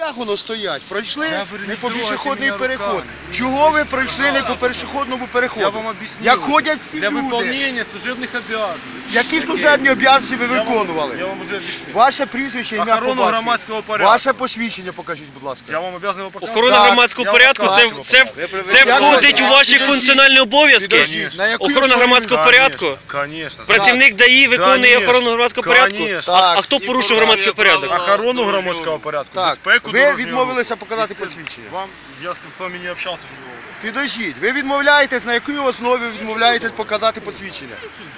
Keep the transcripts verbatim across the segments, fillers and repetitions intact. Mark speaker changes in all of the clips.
Speaker 1: Як воно стоять? Пройшли
Speaker 2: Я говорю,
Speaker 1: не
Speaker 2: не
Speaker 1: по
Speaker 2: трогайте
Speaker 1: пішохідний
Speaker 2: мене
Speaker 1: переход.
Speaker 2: руками.
Speaker 1: Чого ви пройшли не по пішохідному
Speaker 2: Я
Speaker 1: переходу?
Speaker 2: вам объяснил.
Speaker 1: Як ходять всі
Speaker 2: Для
Speaker 1: люди.
Speaker 2: выполнения служебных обязанностей.
Speaker 1: Які служебні обов'язки ви
Speaker 2: Я вам-
Speaker 1: виконували?
Speaker 2: Я вам уже объяснил.
Speaker 1: Ваше прізвище, ім'я, по
Speaker 2: Охорону
Speaker 1: батькові.
Speaker 2: громадського порядку.
Speaker 1: Ваше посвідчення покажіть, будь ласка.
Speaker 2: Я вам обязан его показать.
Speaker 3: Охорона
Speaker 1: Так,
Speaker 3: громадського
Speaker 2: я
Speaker 3: порядку
Speaker 2: вам
Speaker 3: це,
Speaker 2: покажу.
Speaker 3: це, це
Speaker 1: Я
Speaker 3: входить
Speaker 1: кажу,
Speaker 3: у ваші
Speaker 1: підождіть,
Speaker 3: функціональні обов'язки.
Speaker 1: Підождіть, на якій
Speaker 3: Охорона
Speaker 1: основі-
Speaker 3: громадського порядку?
Speaker 2: Конечно.
Speaker 3: Працівник ДАІ виконує
Speaker 2: Конечно.
Speaker 3: охорону громадського порядку?
Speaker 2: Конечно.
Speaker 3: А,
Speaker 1: Так.
Speaker 3: а хто порушив громадський порядок?
Speaker 2: Охорону громадського порядку.
Speaker 1: Так,
Speaker 2: безпеку
Speaker 1: ви
Speaker 2: дорожнього
Speaker 1: відмовилися
Speaker 2: руху.
Speaker 1: показати
Speaker 2: І це-
Speaker 1: посвідчення.
Speaker 2: Вам, я з вами не общався.
Speaker 1: Підождіть, ви відмовляєтесь, на якій основі ви відмовляєтесь показати посвідчення?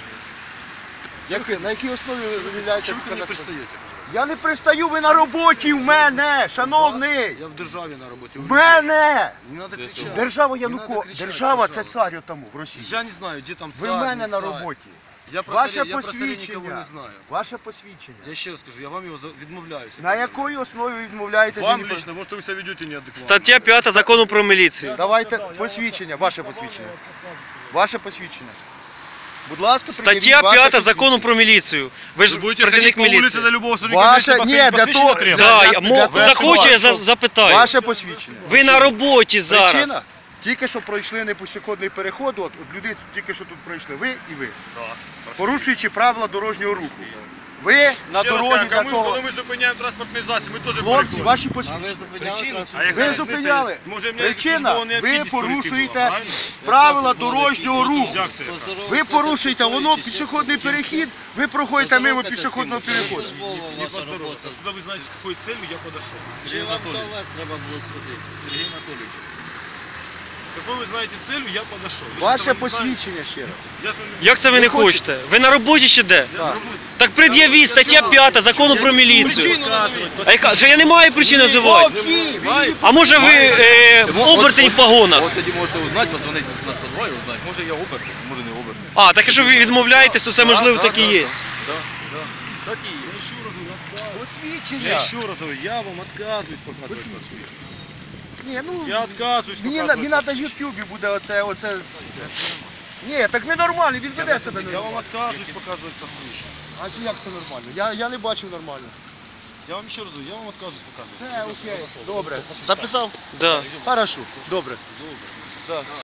Speaker 1: Як- на якій основі ви відмовляєтесь
Speaker 2: Чому ви не
Speaker 1: показати
Speaker 2: пристаєте?
Speaker 1: посвідчення? Я не пристаю, ви на роботі в мене, шановний!
Speaker 2: Я в державі на роботі.
Speaker 1: В мене!
Speaker 2: Не треба кричати.
Speaker 1: Держава
Speaker 2: Не
Speaker 1: Януко...
Speaker 2: надо кричати,
Speaker 1: Держава це
Speaker 2: пожалуйста.
Speaker 1: цар тому в Росії.
Speaker 2: Я не знаю, де там
Speaker 1: Ви
Speaker 2: цар,
Speaker 1: в мене
Speaker 2: не
Speaker 1: на
Speaker 2: цар.
Speaker 1: роботі.
Speaker 2: Я про
Speaker 1: Ваше
Speaker 2: царя, я про царя нікого
Speaker 1: посвідчення.
Speaker 2: не знаю.
Speaker 1: Ваше посвідчення.
Speaker 2: Я ще раз скажу, я вам його за- відмовляюся.
Speaker 1: На якій основі відмовляєтесь?
Speaker 2: Вам
Speaker 1: мені
Speaker 2: лично, може ви себе ведете неадекватно.
Speaker 3: Стаття п'ята закону про міліцію.
Speaker 1: Давайте посвідчення, ваше посвідчення. Ваше посвідчення. Будь ласка,
Speaker 3: Стаття
Speaker 1: пред'явіть ваше
Speaker 3: п'ята закону
Speaker 1: посвідчення.
Speaker 3: про міліцію. Ви ж
Speaker 2: Ви будете
Speaker 3: працівник
Speaker 2: ходити по вулиці
Speaker 3: міліції.
Speaker 2: до любого сотрудника
Speaker 1: Ваше-
Speaker 2: міліції,
Speaker 1: ні, для
Speaker 2: посвідчення
Speaker 1: того-
Speaker 2: треба?
Speaker 3: Да,
Speaker 1: для-
Speaker 3: я
Speaker 1: для
Speaker 3: мо-
Speaker 1: того,
Speaker 3: захочу, я
Speaker 1: щоб-
Speaker 3: за- запитаю.
Speaker 1: Ваше посвідчення.
Speaker 3: Ви на роботі зараз.
Speaker 1: Причина? Тільки що пройшли непішохідний переход, от, от люди тільки що тут пройшли, ви і ви. Порушуючи правила дорожнього руху. Ви на
Speaker 2: Ще раз
Speaker 1: дорозі
Speaker 2: кажу,
Speaker 1: для
Speaker 2: ми,
Speaker 1: того.
Speaker 2: коли ми зупиняємо транспортний засіб, ми теж
Speaker 1: Хлопці,
Speaker 2: переходимо.
Speaker 1: ваші посвідчення.
Speaker 2: А яка
Speaker 1: Ви
Speaker 2: різниця?
Speaker 1: зупиняли.
Speaker 2: Може, в мене
Speaker 1: Причина,
Speaker 2: службова
Speaker 1: ви
Speaker 2: необхідність перейти
Speaker 1: порушуєте
Speaker 2: була, правильно?
Speaker 1: правила дорожнього руху.
Speaker 2: Як це яка?
Speaker 1: Ви порушуєте, воно пішохідний перехід, ви проходите мимо пішохідного переходу.
Speaker 2: Не поздороваться. Куда вы знаете, с какой целью я подошел? Сергей Анатольевич. Сергей Анатольевич. С какой вы знаете целью я подошел? Вы
Speaker 1: Ваше
Speaker 2: же этого не знаете.
Speaker 1: посвідчення ще раз.
Speaker 2: Я с вами-
Speaker 3: Як це ви не хочете? Ви на роботі ще де?
Speaker 2: Я
Speaker 1: Так.
Speaker 2: зроблю.
Speaker 3: Так пред'явіть, стаття п'ята закону про міліцію.
Speaker 2: Причину назовіть.
Speaker 3: А яка? Що я не маю причин називати?
Speaker 1: Хлопці,
Speaker 2: Має.
Speaker 3: А може ви е, обертень в погонах?
Speaker 4: От тоді можете узнати, позвонити на сто два і узнати. Може я оберт, може не оберт.
Speaker 3: А, так якщо ви відмовляєтесь, то це можливо так і є.
Speaker 2: Да, да. Так и есть. Я еще раз говорю, отказываюсь. Я
Speaker 1: посвідчення.
Speaker 2: еще раз говорю, я вам отказываюсь показывать посвідчення.
Speaker 1: Ні, ну,
Speaker 2: Я отказываюсь
Speaker 1: мені, на-
Speaker 2: показывать
Speaker 1: мені треба в
Speaker 2: посвідчення.
Speaker 1: Ютубі буде оце, оце. Ні, так ненормально, він веде себе
Speaker 2: Я вам
Speaker 1: нормально.
Speaker 2: отказываюсь показывать посвідчення.
Speaker 1: А чи як це нормально? Я, я не бачив нормально.
Speaker 2: Я вам ще раз говорю, я вам отказываюсь показывать.
Speaker 1: Це окей, добре. Записав?
Speaker 3: Да.
Speaker 1: Хорошо, добре. Да.